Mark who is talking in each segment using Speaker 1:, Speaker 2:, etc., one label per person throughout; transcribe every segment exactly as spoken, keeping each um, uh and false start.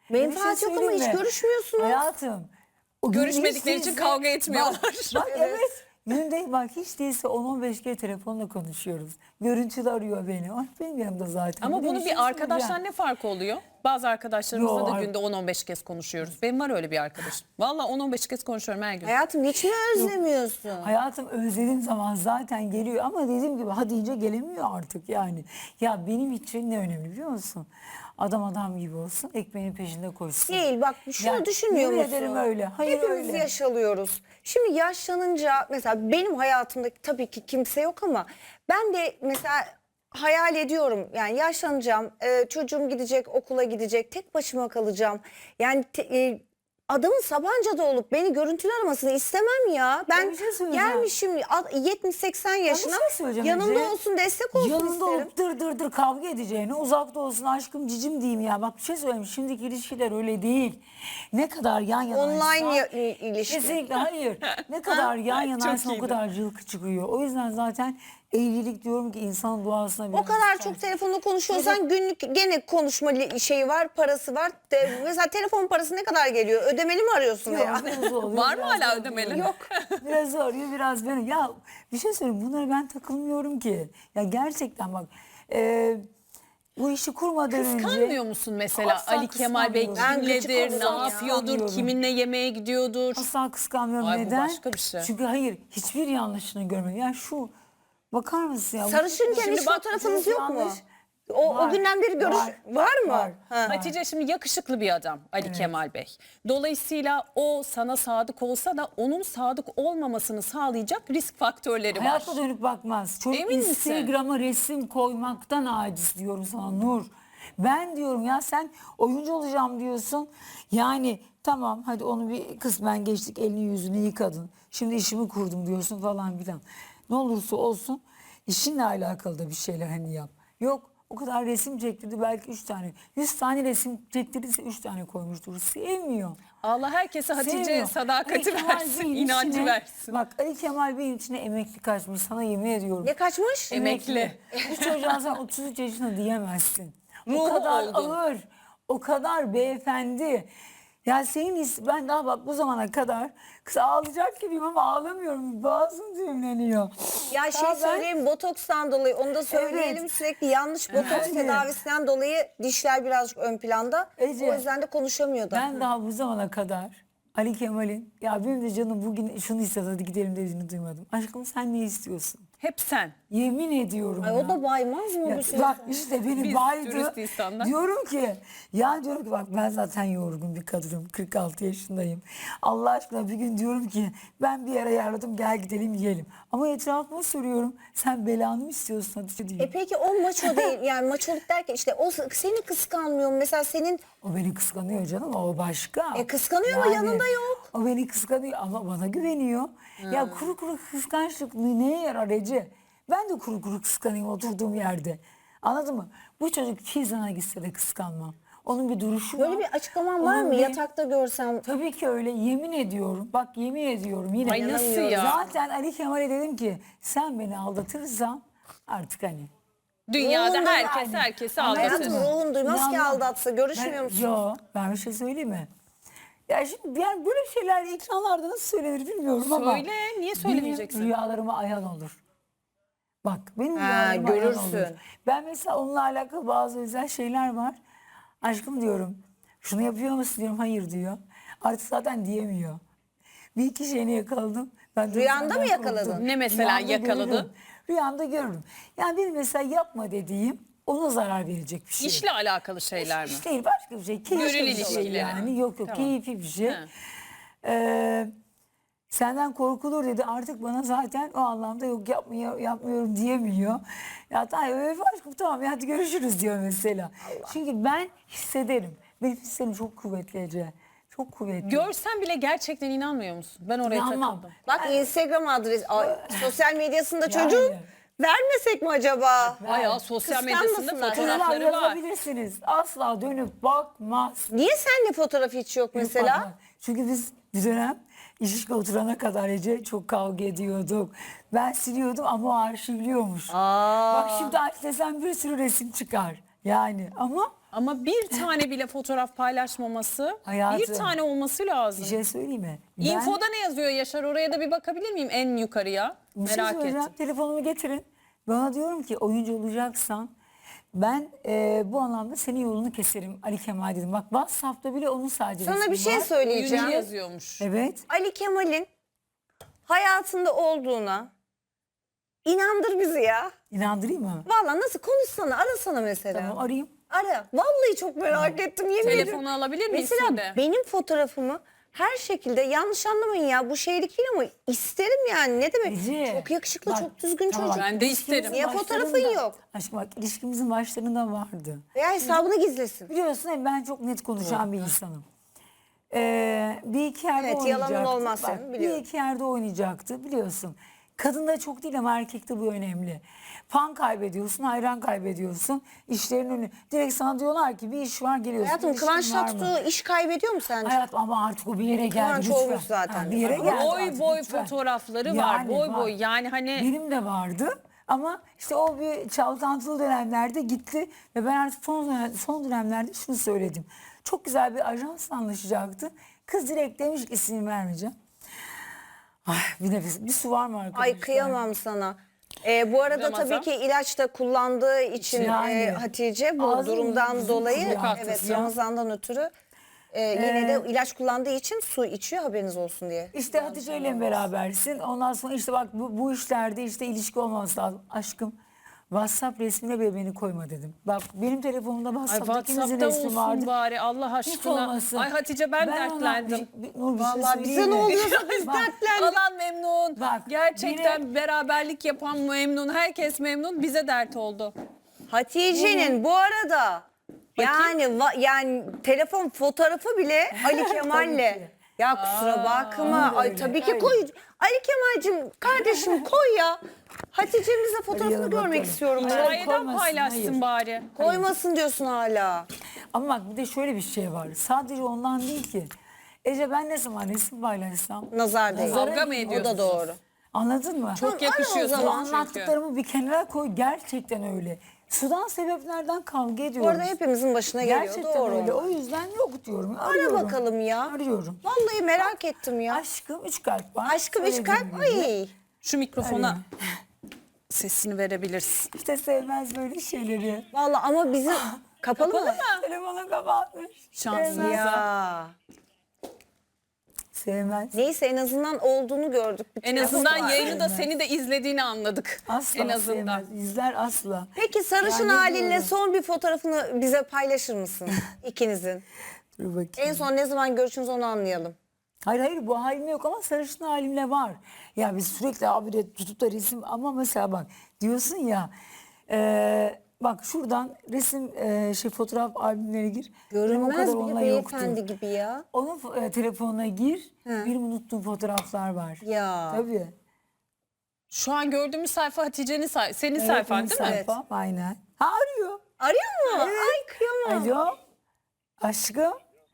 Speaker 1: Menfaat
Speaker 2: şey
Speaker 1: yok ama hiç
Speaker 2: söyleyeyim mi?
Speaker 1: görüşmüyorsunuz.
Speaker 2: Hayatım. O gün
Speaker 3: Görüşmedikleri
Speaker 2: hiç
Speaker 3: için
Speaker 2: değilse-
Speaker 3: kavga etmiyorlar.
Speaker 2: Bak, bak evet. Günde bak hiç değilse on on beş kere telefonla konuşuyoruz. Görüntülü arıyor beni. Ay benim yanımda zaten.
Speaker 3: Ama
Speaker 2: Bir de
Speaker 3: bunun
Speaker 2: bir şey
Speaker 3: bir arkadaştan
Speaker 2: söyleyeceğim.
Speaker 3: ne farkı oluyor? Bazı arkadaşlarımızla
Speaker 2: Yo,
Speaker 3: da
Speaker 2: ar-
Speaker 3: günde on on beş kez konuşuyoruz. Benim var öyle bir arkadaşım. Valla on on beş kez konuşuyorum her gün.
Speaker 1: Hayatım hiç mi özlemiyorsun?
Speaker 2: Hayatım özlediğim zaman zaten geliyor ama dediğim gibi ha deyince gelemiyor artık yani. Ya benim için ne önemli biliyor musun? Adam adam gibi olsun, ekmeğin peşinde koşsun.
Speaker 1: Değil bak şunu
Speaker 2: Ya,
Speaker 1: düşünmüyor
Speaker 2: yemin
Speaker 1: musun?
Speaker 2: ederim öyle. Hayır
Speaker 1: Hepimiz
Speaker 2: öyle.
Speaker 1: yaş alıyoruz. Şimdi yaşlanınca mesela benim hayatımda tabii ki kimse yok ama ben de mesela hayal ediyorum. Yani yaşlanacağım, e, çocuğum gidecek, okula gidecek, tek başıma kalacağım. Yani te- e, adamın Sabancı'da olup beni görüntülü aramasını istemem ya. Ben
Speaker 2: bir şey söyleyeceğim.
Speaker 1: gelmişim yetmiş seksen yaşına,
Speaker 2: şey söyleyeceğim
Speaker 1: yanımda
Speaker 2: Ece.
Speaker 1: olsun, destek olsun
Speaker 2: Yanında
Speaker 1: isterim.
Speaker 2: olup dır dır dır kavga edeceğine uzakta olsun aşkım cicim diyeyim ya. Bak bir şey söyleyeyim şimdiki ilişkiler öyle değil. Ne kadar yan yanaysa.
Speaker 1: Online ya- ilişki.
Speaker 2: Kesinlikle hayır. Ne kadar yan yanaysa
Speaker 3: Çok
Speaker 2: o
Speaker 3: iyiydi.
Speaker 2: kadar cılkı çıkıyor. O yüzden zaten evlilik diyorum ki insan duasına
Speaker 1: O
Speaker 2: biraz
Speaker 1: kadar
Speaker 2: tutar.
Speaker 1: çok telefonla konuşuyorsan günlük gene konuşma li- şeyi var, parası var. De, mesela telefon parası ne kadar geliyor? Ödemeli mi arıyorsun
Speaker 2: Yok,
Speaker 1: veya?
Speaker 2: biraz oluyor,
Speaker 3: Var mı
Speaker 2: biraz
Speaker 3: hala
Speaker 2: oluyor.
Speaker 3: ödemeli?
Speaker 2: Yok. Biraz oluyor biraz böyle. Ya bir şey söyleyeyim bunlara ben takılmıyorum ki. Ya gerçekten bak. E, bu işi kurmadan önce.
Speaker 3: Kıskanmıyor musun mesela
Speaker 2: Asla
Speaker 3: Ali Kemal Bey
Speaker 2: kıskanmıyorum.
Speaker 1: Ben gıcık
Speaker 3: kimledir, ne
Speaker 1: olurum ya.
Speaker 3: yapıyordur,
Speaker 2: Kıskanmıyorum.
Speaker 3: kiminle yemeğe gidiyordur?
Speaker 2: Asla kıskanmıyorum.
Speaker 3: Ay, bu
Speaker 2: Neden?
Speaker 3: başka bir şey.
Speaker 2: Çünkü hayır hiçbir yanlışını görmedim. Ya şu bakar mısın ya?
Speaker 1: Sarışınken
Speaker 3: Şimdi
Speaker 1: hiç
Speaker 3: bak,
Speaker 1: fotoğrafınız
Speaker 2: bu
Speaker 1: yok mu?
Speaker 2: yanlış.
Speaker 1: O,
Speaker 2: Var,
Speaker 1: o günden beri görüş
Speaker 2: var,
Speaker 1: var, mı?
Speaker 2: var.
Speaker 1: Ha.
Speaker 3: Hatice şimdi yakışıklı bir adam Ali Kemal Bey. Dolayısıyla o sana sadık olsa da onun sadık olmamasını sağlayacak risk faktörleri var.
Speaker 2: Hayata dönüp bakmaz. Çocuk
Speaker 3: Emin misin?
Speaker 2: Instagram'a resim koymaktan aciz diyorum sana Nur. Ben diyorum ya sen oyuncu olacağım diyorsun. Yani tamam hadi onu bir kısmen geçtik elini yüzünü yıkadın. Şimdi işimi kurdum diyorsun falan filan. Ne olursa olsun işinle alakalı da bir şeyler hani yap. Yok o kadar resim çektirdi belki üç tane. Yüz tane resim çektirdiyse üç tane koymuştur. Sevmiyor.
Speaker 3: Allah herkese Hatice
Speaker 2: Sevmiyor.
Speaker 3: sadakati
Speaker 2: Ali Kemal
Speaker 3: versin,
Speaker 2: Bey'in
Speaker 3: inancı
Speaker 2: içine-
Speaker 3: versin.
Speaker 2: Bak Ali Kemal Bey'in içine emekli kaçmış sana yemin ediyorum.
Speaker 1: Ne kaçmış?
Speaker 3: Emekli.
Speaker 2: Bu çocuğa sen otuz üç yaşında diyemezsin. O
Speaker 3: Ruhu
Speaker 2: kadar
Speaker 3: olgun.
Speaker 2: ağır, o kadar beyefendi. Ya senin his, ben daha bak bu zamana kadar kız ağlayacak gibiyim ama ağlamıyorum. Boğazım düğümleniyor.
Speaker 1: Ya şey
Speaker 2: ben-
Speaker 1: söyleyeyim, botokstan dolayı onu da söyleyelim,
Speaker 2: Evet.
Speaker 1: sürekli yanlış botoks
Speaker 2: Evet.
Speaker 1: tedavisinden dolayı dişler birazcık ön planda.
Speaker 2: Ece,
Speaker 1: O yüzden de konuşamıyordu.
Speaker 2: Ben daha bu zamana kadar Ali Kemal'in ya benim de canım bugün şunu istedi hadi gidelim dediğini duymadım. Aşkım sen ne istiyorsun?
Speaker 3: Hep sen.
Speaker 2: Yemin ediyorum
Speaker 1: Ay,
Speaker 2: ya.
Speaker 1: o da baymaz mı
Speaker 2: Ya
Speaker 1: bir şey?
Speaker 2: bak işte beni
Speaker 3: Biz
Speaker 2: baydı.
Speaker 3: dürüst insanlar.
Speaker 2: Diyorum ki ya diyorum ki bak ben zaten yorgun bir kadınım. kırk altı yaşındayım. Allah aşkına bir gün diyorum ki ben bir yere ayarladım gel gidelim yiyelim. Ama etrafıma soruyorum sen belanı mı istiyorsun Hatice diyor.
Speaker 1: E peki o maço değil, yani maçoluk derken işte o seni kıskanmıyor mu? Mesela senin
Speaker 2: O beni kıskanıyor canım o başka.
Speaker 1: E, kıskanıyor ama yanında yok.
Speaker 2: O beni kıskanıyor ama bana güveniyor. Ya kuru kuru kıskançlık neye yarar Ece? Ben de kuru kuru kıskanayım oturduğum yerde. Anladın mı? Bu çocuk Kizan'a gitse de kıskanmam. Onun bir duruşu var.
Speaker 1: böyle bir açıklaman var
Speaker 2: Onun
Speaker 1: mı?
Speaker 2: bir-
Speaker 1: Yatakta görsem
Speaker 2: Tabii ki öyle yemin ediyorum. Bak yemin ediyorum yine.
Speaker 3: Ay, nasıl ya?
Speaker 2: Zaten Ali Kemal'e dedim ki sen beni aldatırsan artık hani.
Speaker 3: Dünyada
Speaker 1: Ruhunda
Speaker 3: herkes
Speaker 2: yani.
Speaker 3: herkesi
Speaker 2: Ama
Speaker 3: aldatır.
Speaker 1: hayatım ruhun duymaz ki
Speaker 2: İnanmam.
Speaker 1: aldatsa, görüşmüyor
Speaker 2: Ben-
Speaker 1: musun?
Speaker 2: Yo ben bir şey söyleyeyim mi? Ya şimdi yani böyle şeyler ekranlarda nasıl söylenir bilmiyorum ama.
Speaker 3: Söyle, niye söylemeyeceksin?
Speaker 2: Benim rüyalarıma ayan olur. Bak benim
Speaker 1: Ha,
Speaker 2: rüyalarıma ayan
Speaker 1: görürsün.
Speaker 2: olur. Ben mesela onunla alakalı bazı özel şeyler var. Aşkım diyorum. Şunu yapıyor musun diyorum. Hayır diyor. Artık zaten diyemiyor. Bir iki şeyini yakaladım. Ben de
Speaker 1: Rüyanda
Speaker 2: senden
Speaker 1: mı yakaladın?
Speaker 2: korktum.
Speaker 3: Ne mesela
Speaker 2: Rüyamda
Speaker 3: yakaladın?
Speaker 2: görürüm. Rüyamda görürüm. Yani benim mesela yapma dediğim ona zarar verecek bir şey.
Speaker 3: İşle alakalı şeyler mi?
Speaker 2: İş değil başka bir şey. Keyifli
Speaker 3: Gönül
Speaker 2: bir şey
Speaker 3: ilişkileri.
Speaker 2: yani. Yok yok
Speaker 3: Tamam.
Speaker 2: keyifli bir şey.
Speaker 3: Ha.
Speaker 2: Ee, senden korkulur dedi. Artık bana zaten o anlamda yok yapmıyor, yapmıyorum diyemiyor. Ya tamam öyle aşkım tamam ya hadi görüşürüz diyor mesela. Çünkü ben hissederim. Benim hislerim çok kuvvetli Ece. Çok kuvvetli.
Speaker 3: Görsen bile gerçekten inanmıyor musun? Ben oraya
Speaker 2: İnanmam.
Speaker 3: takıldım.
Speaker 1: Bak Instagram adresi, ay, sosyal medyasında
Speaker 2: Yani.
Speaker 1: çocuğun vermesek mi acaba?
Speaker 3: Bayağı sosyal medyasında
Speaker 1: Kıskanmasınlar.
Speaker 2: Kızlar
Speaker 3: fotoğrafları var.
Speaker 2: yazabilirsiniz. Asla dönüp bakmaz.
Speaker 1: Niye sende fotoğraf hiç yok mesela?
Speaker 2: Bakmaz. Çünkü biz bir dönem ilişki oturana kadar Ece çok kavga ediyorduk. Ben siliyordum ama o arşivliyormuş.
Speaker 1: Aa.
Speaker 2: Bak şimdi aç desem bir sürü resim çıkar. Yani ama
Speaker 3: Ama bir tane bile fotoğraf paylaşmaması,
Speaker 2: Hayatım,
Speaker 3: bir tane olması lazım.
Speaker 2: Bir şey söyleyeyim mi? Ben-
Speaker 3: Infoda ne yazıyor Yaşar? Oraya da bir bakabilir miyim en yukarıya?
Speaker 2: Bir şey
Speaker 3: Merak
Speaker 2: söyleyeceğim.
Speaker 3: ettim.
Speaker 2: Telefonumu getirin. Bana diyorum ki oyuncu olacaksan ben e, bu anlamda senin yolunu keserim Ali Kemal dedim. Bak WhatsApp'ta bile onun sadece
Speaker 1: Sana
Speaker 2: resmi
Speaker 1: bir şey
Speaker 2: var.
Speaker 1: söyleyeceğim.
Speaker 3: Oyuncu yazıyormuş.
Speaker 2: Evet.
Speaker 1: Ali Kemal'in hayatında olduğuna inandır bizi ya.
Speaker 2: İnandırayım mı?
Speaker 1: Vallahi nasıl konuşsana, arasana mesela.
Speaker 2: Tamam arayayım.
Speaker 1: Ara. Vallahi çok merak ettim yemin ediyorum.
Speaker 3: Telefonu alabilir miyiz
Speaker 1: Mesela
Speaker 3: şimdi?
Speaker 1: benim fotoğrafımı her şekilde, yanlış anlamayın ya, bu şeylik değil ama isterim yani, ne demek.
Speaker 2: Ece,
Speaker 1: Çok yakışıklı,
Speaker 2: bak,
Speaker 1: çok düzgün
Speaker 2: tamam,
Speaker 1: çocuk.
Speaker 2: bak,
Speaker 3: Ben de
Speaker 2: ilişkimizin
Speaker 3: isterim.
Speaker 1: Niye fotoğrafın
Speaker 2: başlarında-
Speaker 1: yok?
Speaker 2: Aşkım bak ilişkimizin başlarında vardı.
Speaker 1: Veya hesabını gizlesin.
Speaker 2: Biliyorsun hep ben çok net konuşan bir insanım. Ee, bir iki yerde
Speaker 1: Evet, yalanın
Speaker 2: oynayacaktı.
Speaker 1: olmaz
Speaker 2: Bak,
Speaker 1: senin,
Speaker 2: bir
Speaker 1: biliyorum.
Speaker 2: iki yerde oynayacaktı biliyorsun. Kadında çok değil ama erkekte bu önemli. Fan kaybediyorsun, hayran kaybediyorsun. İşlerin önü. Direkt sana diyorlar ki bir iş var geliyorsun.
Speaker 1: Hayatım,
Speaker 2: İlişkin
Speaker 1: Kıvanç
Speaker 2: var mı?
Speaker 1: Tatlıtuğ iş kaybediyor mu sence?
Speaker 2: Hayatım ama artık o bir yere geldi
Speaker 1: Kıvanç
Speaker 2: lütfen.
Speaker 1: olmuş zaten.
Speaker 2: Ha, bir yere
Speaker 1: Ama
Speaker 2: geldi
Speaker 3: Boy
Speaker 2: artık,
Speaker 3: boy
Speaker 2: lütfen.
Speaker 3: fotoğrafları var.
Speaker 2: Yani
Speaker 3: Boy
Speaker 2: var.
Speaker 3: boy. Yani hani
Speaker 2: Benim de vardı ama işte o bir çalkantılı dönemlerde gitti ve ben artık son, dönem- son dönemlerde şunu söyledim. Çok güzel bir ajansla anlaşacaktı. Kız direkt demiş ki isim vermeyeceğim. Ay bir nefes, bir su var mı arkadaşlar?
Speaker 1: Ay kıyamam sana. Ee, bu arada
Speaker 3: Ramazan.
Speaker 1: tabii ki ilaç da kullandığı için
Speaker 2: Yani.
Speaker 1: e, Hatice bu
Speaker 2: Ağzını
Speaker 1: durumdan
Speaker 2: yüzünü
Speaker 1: dolayı,
Speaker 2: kuruyor
Speaker 1: evet,
Speaker 2: artık ya.
Speaker 1: Ramazan'dan ötürü e, yine de ilaç kullandığı için su içiyor, haberiniz olsun diye.
Speaker 2: İşte Hatice ile berabersin. Ondan sonra işte bak bu, bu işlerde işte ilişki olmaması lazım. Aşkım WhatsApp resmine bile beni koyma dedim. Bak benim telefonumda
Speaker 3: ay
Speaker 2: WhatsApp'ta ikimizin
Speaker 3: WhatsApp'ta
Speaker 2: resmi
Speaker 3: olsun
Speaker 2: vardı.
Speaker 3: bari Allah
Speaker 2: Hiç
Speaker 3: aşkına.
Speaker 2: olmasın.
Speaker 3: Ay Hatice ben,
Speaker 2: ona
Speaker 3: dertlendim.
Speaker 2: bir- bir- Nur, bir şey
Speaker 1: Vallahi bize
Speaker 2: söyleyeyim
Speaker 1: ne
Speaker 2: mi?
Speaker 1: oluyorsa biz
Speaker 2: Bak,
Speaker 1: dertlendik.
Speaker 3: Alan memnun.
Speaker 2: Bak,
Speaker 3: Gerçekten beraberlik yapan memnun. Herkes memnun. Bize dert oldu.
Speaker 1: Hatice'nin bu arada yani va- yani telefon fotoğrafı bile Ali Kemal'le.
Speaker 2: ki.
Speaker 1: Ya kusura bakma. Ay
Speaker 2: öyle,
Speaker 1: tabii ki
Speaker 2: öyle.
Speaker 1: koy. Ali Kemal'cim kardeşim koy ya. Hatice'mizle fotoğrafını
Speaker 2: Arayalım
Speaker 1: görmek
Speaker 2: bakalım.
Speaker 1: istiyorum ben.
Speaker 2: Hayır,
Speaker 3: Hikayeden
Speaker 2: koymasın,
Speaker 3: paylaşsın
Speaker 2: hayır.
Speaker 3: bari.
Speaker 1: Koymasın diyorsun hala.
Speaker 2: Ama bak bir de şöyle bir şey var. Sadece ondan değil ki. Ece ben ne zaman resim paylaşsam.
Speaker 1: Nazar değil.
Speaker 3: Kavga mı
Speaker 1: O da
Speaker 3: ediyorsunuz?
Speaker 1: doğru.
Speaker 2: Anladın mı?
Speaker 3: Çok yakışıyorsunuz
Speaker 1: Tamam, o
Speaker 2: Bu
Speaker 1: zaman.
Speaker 3: çünkü.
Speaker 2: anlattıklarımı bir kenara koy. Gerçekten öyle. Sudan sebeplerden kavga ediyoruz.
Speaker 1: Bu arada hepimizin başına geliyor.
Speaker 2: Gerçekten
Speaker 1: Doğru.
Speaker 2: öyle. O yüzden yok diyorum.
Speaker 1: Ara
Speaker 2: Arıyorum.
Speaker 1: bakalım ya.
Speaker 2: Arıyorum.
Speaker 1: Vallahi merak ettim ya.
Speaker 2: Aşkım üç kalp var.
Speaker 1: Aşkım üç
Speaker 2: Söylediğim
Speaker 1: kalp.
Speaker 2: gibi.
Speaker 1: Ay.
Speaker 3: Şu mikrofona sesini verebilirsin.
Speaker 2: İşte sevmez böyle şeyleri.
Speaker 1: Vallahi ama bizi kapalı, mı?
Speaker 2: Telefonu kapatmış.
Speaker 3: Şansınıza.
Speaker 1: Ya.
Speaker 2: Sevmez.
Speaker 1: Neyse en azından olduğunu gördük.
Speaker 3: En
Speaker 1: Bütün
Speaker 3: azından
Speaker 1: lafı var.
Speaker 3: yayını da seni de izlediğini anladık.
Speaker 2: Asla
Speaker 3: en azından.
Speaker 2: sevmez. İzler asla.
Speaker 1: Peki sarışın
Speaker 2: Yani
Speaker 1: halinle
Speaker 2: diyorum.
Speaker 1: son bir fotoğrafını bize paylaşır mısın ikinizin?
Speaker 2: Dur bakayım.
Speaker 1: En son ne zaman görüşünüz onu anlayalım.
Speaker 2: Hayır hayır bu halimle yok ama sarışın halimle var. Ya biz sürekli abi de tutup da resim ama mesela bak diyorsun ya e, bak şuradan resim e, şey fotoğraf albümlerine gir. Benim o
Speaker 1: Görünmez
Speaker 2: kadar
Speaker 1: bile
Speaker 2: onunla
Speaker 1: beyefendi
Speaker 2: yoktu.
Speaker 1: gibi ya.
Speaker 2: Onun fo- e, telefonuna gir. Benim unuttuğum fotoğraflar var.
Speaker 1: Ya.
Speaker 2: Tabii.
Speaker 3: Şu an gördüğümüz sayfa Hatice'nin say senin
Speaker 2: Evet,
Speaker 3: sayfan
Speaker 2: benim
Speaker 3: değil mi?
Speaker 2: sayfam, aynen. Ha arıyor.
Speaker 1: Arıyor mu? Ay kıyamam.
Speaker 2: Alo. Aşkım.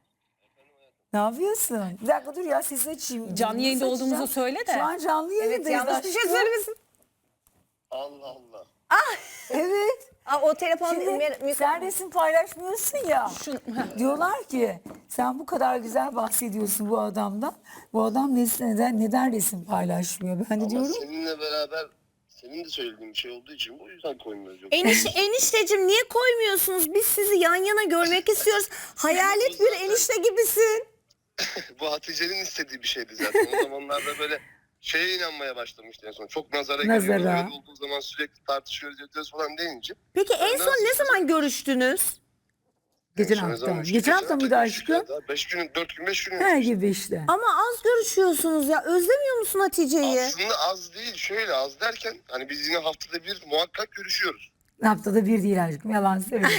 Speaker 2: Ne yapıyorsun? Bir dakika dur ya sesi açayım.
Speaker 3: Canlı yayında
Speaker 2: Nasıl
Speaker 3: olduğumuzu
Speaker 2: açacağım?
Speaker 3: söyle de.
Speaker 2: Şu an canlı
Speaker 1: Evet,
Speaker 2: yayındayız.
Speaker 1: yanlış bir şey
Speaker 2: aşkım.
Speaker 1: söylemesin.
Speaker 4: Allah Allah.
Speaker 2: Evet.
Speaker 1: Aa, o telefon
Speaker 2: Şimdi
Speaker 1: mi-
Speaker 2: sen resim paylaşmıyorsun ya.
Speaker 3: Şu, heh.
Speaker 2: Diyorlar ki sen bu kadar güzel bahsediyorsun bu adamdan. Bu adam neden, neden, neden resim paylaşmıyor? Ben de
Speaker 4: Ama
Speaker 2: diyorum
Speaker 4: seninle beraber senin de söylediğin bir şey olduğu için bu yüzden koymuyoruz. Yok.
Speaker 1: Eniş, enişteciğim niye koymuyorsunuz? Biz sizi yan yana görmek istiyoruz. Hayalet bir enişte gibisin.
Speaker 4: Bu Hatice'nin istediği bir şeydi zaten. O zamanlarda böyle şeye inanmaya başlamıştı en son. Çok nazara,
Speaker 2: Nazara.
Speaker 4: geliyor. Öyle olduğu zaman sürekli tartışıyoruz ediyoruz falan deyince.
Speaker 1: Peki en
Speaker 4: Ben
Speaker 1: son
Speaker 4: nasıl-
Speaker 1: ne zaman görüştünüz?
Speaker 2: geçen
Speaker 4: En son ne
Speaker 2: hafta.
Speaker 4: zaman?
Speaker 2: Geçen hafta mıydı aşkım?
Speaker 4: Beş gün, dört gün, beş gün.
Speaker 2: Her gibi işte.
Speaker 1: Ama az görüşüyorsunuz ya. Özlemiyor musun Hatice'yi?
Speaker 4: Aslında az değil. Şöyle az derken hani biz yine haftada bir muhakkak görüşüyoruz.
Speaker 2: Haftada bir değil aşkım yalan söylüyorum.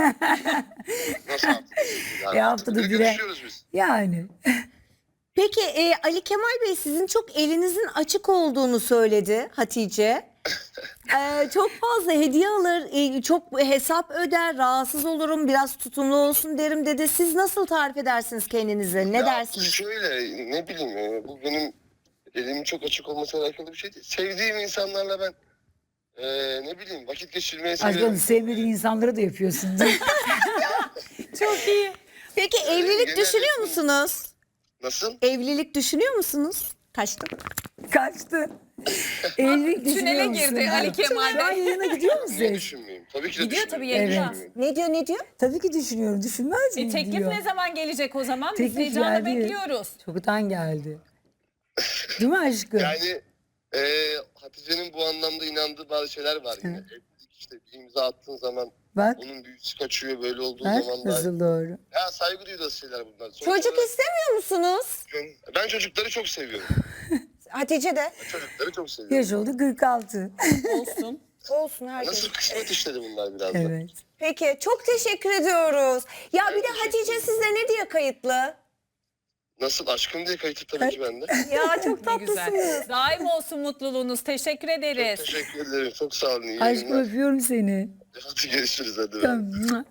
Speaker 4: Nasıl haftada bir? Yani
Speaker 2: E, haftada
Speaker 4: bir
Speaker 2: bire.
Speaker 4: görüşüyoruz biz.
Speaker 2: Yani.
Speaker 1: Peki e, Ali Kemal Bey sizin çok elinizin açık olduğunu söyledi Hatice. E, çok fazla hediye alır, e, çok hesap öder, rahatsız olurum, biraz tutumlu olsun derim dedi. Siz nasıl tarif edersiniz kendinizi? Ne
Speaker 4: Ya
Speaker 1: dersiniz?
Speaker 4: Şöyle ne bileyim e, bu benim elimin çok açık olmasıyla alakalı bir şey değil. Sevdiğim insanlarla ben e, ne bileyim vakit geçirmeyi
Speaker 2: Aşkım
Speaker 4: seviyorum.
Speaker 2: sevmediğin insanlara da yapıyorsun.
Speaker 3: Çok iyi.
Speaker 1: Peki evlilik
Speaker 4: genel
Speaker 1: düşünüyor
Speaker 4: yapım-
Speaker 1: musunuz?
Speaker 4: Nasıl?
Speaker 1: Evlilik düşünüyor musunuz? Kaçtım.
Speaker 2: Kaçtı. Evlilik
Speaker 3: Tünele
Speaker 2: düşünüyor musun?
Speaker 3: girdi Ali Kemal
Speaker 2: Şu an
Speaker 3: Bey.
Speaker 2: yayına gidiyor musun?
Speaker 4: Niye düşünmeyeyim? Tabii ki de
Speaker 3: Gidiyor tabii,
Speaker 4: düşünmüyorum.
Speaker 3: yayına.
Speaker 4: Niye düşünmeyeyim?
Speaker 1: Ne diyor ne diyor?
Speaker 2: Tabii ki düşünüyorum. Düşünmez
Speaker 3: E,
Speaker 2: miyim
Speaker 3: teklif
Speaker 2: diyor.
Speaker 3: ne zaman gelecek o zaman? Biz
Speaker 2: Teklif
Speaker 3: heyecanla
Speaker 2: geldi.
Speaker 3: bekliyoruz.
Speaker 2: Çoktan geldi. Değil mi aşkım?
Speaker 4: Yani e, Hatice'nin bu anlamda inandığı bazı şeyler var yine. Evlilik işte bir imza attığın zaman
Speaker 2: Bak,
Speaker 4: onun büyüsü kaçıyor, böyle olduğu
Speaker 2: bak
Speaker 4: zaman da.
Speaker 2: nasıl doğru.
Speaker 4: Ya saygı duyduğu şeyler bunlar. Sonuç
Speaker 1: Çocuk
Speaker 4: olarak
Speaker 1: istemiyor musunuz?
Speaker 4: ben çocukları çok seviyorum.
Speaker 1: Hatice de.
Speaker 4: Çocukları çok seviyorum.
Speaker 2: Yaş oldu kırk altı.
Speaker 3: Olsun.
Speaker 1: Olsun herkes.
Speaker 4: Nasıl kısmet işleri bunlar biraz da.
Speaker 2: Evet.
Speaker 1: Peki çok teşekkür ediyoruz. Ya bir de
Speaker 4: teşekkür
Speaker 1: Hatice
Speaker 4: ederim.
Speaker 1: sizde ne diye kayıtlı?
Speaker 4: Nasıl aşkım diye kayıtlı tabii ki bende.
Speaker 1: Ya çok
Speaker 3: Ne güzel.
Speaker 1: tatlısınız.
Speaker 3: Daim olsun mutluluğunuz. Teşekkür ederiz.
Speaker 4: Teşekkür ederim. Çok sağ olun. İyi
Speaker 2: Aşkım
Speaker 4: yayınlar.
Speaker 2: öpüyorum seni.
Speaker 4: Hadi görüşürüz hadi.
Speaker 2: Tamam.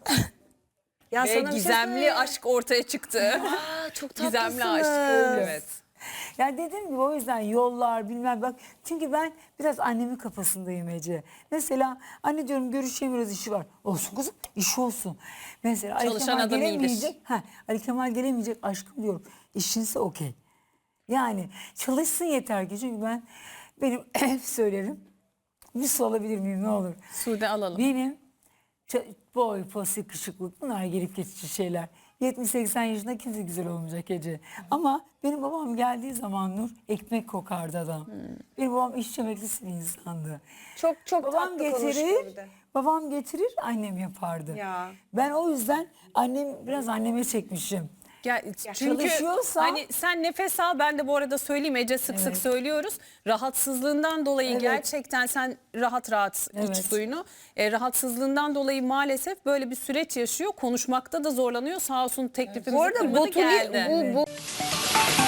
Speaker 1: Ya
Speaker 3: Ve
Speaker 1: sana bir şey
Speaker 3: gizemli
Speaker 1: söyleyeyim.
Speaker 3: aşk ortaya çıktı.
Speaker 1: Aa, çok tatlısınız.
Speaker 3: Gizemli aşk. Evet.
Speaker 2: Ya dediğim gibi o yüzden yollar bilmem bak. Çünkü ben biraz annemin kafasındayım Ece. Mesela anne diyorum görüşemiyoruz işi var. Olsun kızım iş olsun. Mesela Ali
Speaker 3: Çalışan
Speaker 2: Kemal
Speaker 3: adam iyidir.
Speaker 2: gelemeyecek. Ha, Ali Kemal gelemeyecek aşkım diyorum. İşinse okey. Yani çalışsın yeter ki. Çünkü ben benim hep söylerim. Bir su alabilir miyim ne olur.
Speaker 3: Sude alalım.
Speaker 2: Benim ç- boy, pos, yakışıklık bunlar gelip geçici şeyler. yetmiş seksen yaşında kimse güzel olmayacak Ece. Ama benim babam geldiği zaman Nur ekmek kokardı adam. Benim babam iş emeklisi bir insandı.
Speaker 1: Çok çok
Speaker 2: Babam
Speaker 1: tatlı konuşuyor bir
Speaker 2: getirir,
Speaker 1: de.
Speaker 2: babam getirir, annem yapardı.
Speaker 1: Ya.
Speaker 2: Ben o yüzden annem biraz anneme çekmişim.
Speaker 3: Ya, çünkü
Speaker 2: çalışıyorsa-
Speaker 3: hani sen nefes al, ben de bu arada söyleyeyim, Ece sık sık
Speaker 2: Evet.
Speaker 3: söylüyoruz. Rahatsızlığından dolayı
Speaker 2: Evet.
Speaker 3: gerçekten sen rahat rahat iç
Speaker 2: Evet.
Speaker 3: suyunu. E, rahatsızlığından dolayı maalesef böyle bir süreç yaşıyor. Konuşmakta da zorlanıyor. Sağ olsun teklifi
Speaker 1: Bu arada botuli,
Speaker 3: geldi.
Speaker 1: bu, bu